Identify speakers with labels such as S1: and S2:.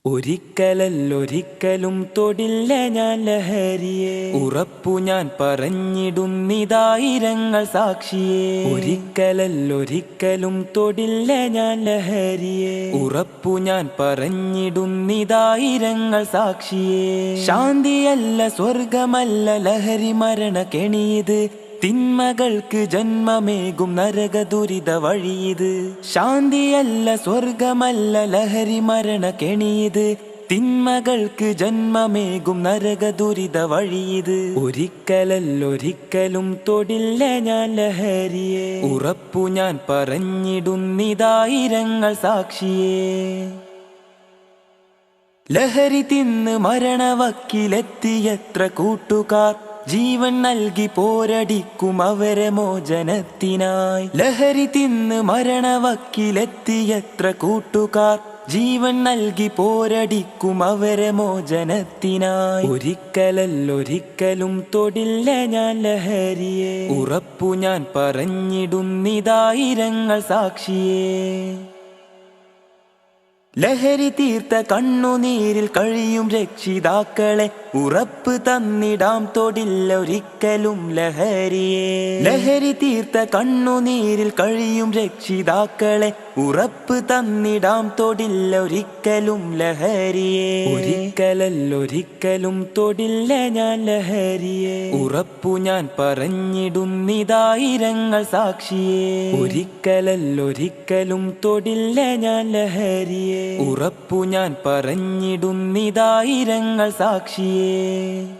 S1: ഒരിക്കലല്ലൊരിക്കലും തൊടില്ല ഞാൻ ലഹരിയെ, ഉറപ്പു ഞാൻ പറഞ്ഞിടുന്നിതായിരങ്ങൾ സാക്ഷിയെ. ഒരിക്കലല്ലൊരിക്കലും തൊടില്ല ഞാൻ ലഹരിയെ, ഉറപ്പു ഞാൻ പറഞ്ഞിടുന്നിതായിരങ്ങൾ സാക്ഷിയെ. ശാന്തിയല്ല സ്വർഗമല്ല ലഹരി മരണ കെണിയത്, തിന്മകൾക്ക് ജന്മമേകും നരക ദുരിത വഴിയത്. ശാന്തിയല്ല സ്വർഗമല്ല ലഹരി മരണ കെണിയത്, തിന്മകൾക്ക് ജന്മമേകും നരക ദുരിത വഴിയത്. ഒരിക്കലല്ലൊരിക്കലും തൊടില്ല ഞാൻ ലഹരിയെ, ഉറപ്പു ഞാൻ പറഞ്ഞിടുന്നിതായിരങ്ങൾ സാക്ഷിയെ. ലഹരി തിന്ന് മരണവക്കിലെത്തിയത്ര കൂട്ടുകാർ, ജീവൻ നൽകി പോരടിക്കും അവരെ മോചനത്തിനായി. ലഹരി തിന്ന് മരണവക്കിലെത്തിയത്ര കൂട്ടുകാർ, ജീവൻ നൽകി പോരടിക്കും അവരെ മോചനത്തിനായി. ഒരിക്കലല്ലൊരിക്കലും തൊടില്ല ഞാൻ ലഹരിയെ, ഉറപ്പു ഞാൻ പറഞ്ഞിടുന്നിതായിരങ്ങൾ സാക്ഷിയെ. ലഹരി തീർത്ത കണ്ണുനീരിൽ കഴിയും രക്ഷിതാക്കളെ, ഉറപ്പ് തന്നിടാം തൊടില്ല ഒരിക്കലും ലഹരിയെ. ലഹരി തീർത്ത കണ്ണുനീരിൽ കഴിയും രക്ഷിതാക്കളെ, ഉറപ്പ് തന്നിടാം തൊടില്ല ഒരിക്കലും ലഹരിയെ. ഒരിക്കലല്ലൊരിക്കലും തൊടില്ല ഞാൻ ലഹരിയെ, ഉറപ്പു ഞാൻ പറഞ്ഞിടുന്നിതായിരങ്ങൾ സാക്ഷിയെ. ഒരിക്കലല്ലൊരിക്കലും തൊടില്ല ഞാൻ ലഹരിയെ, ഉറപ്പു ഞാൻ പറഞ്ഞിടുന്നിതായിരങ്ങൾ സാക്ഷിയെ.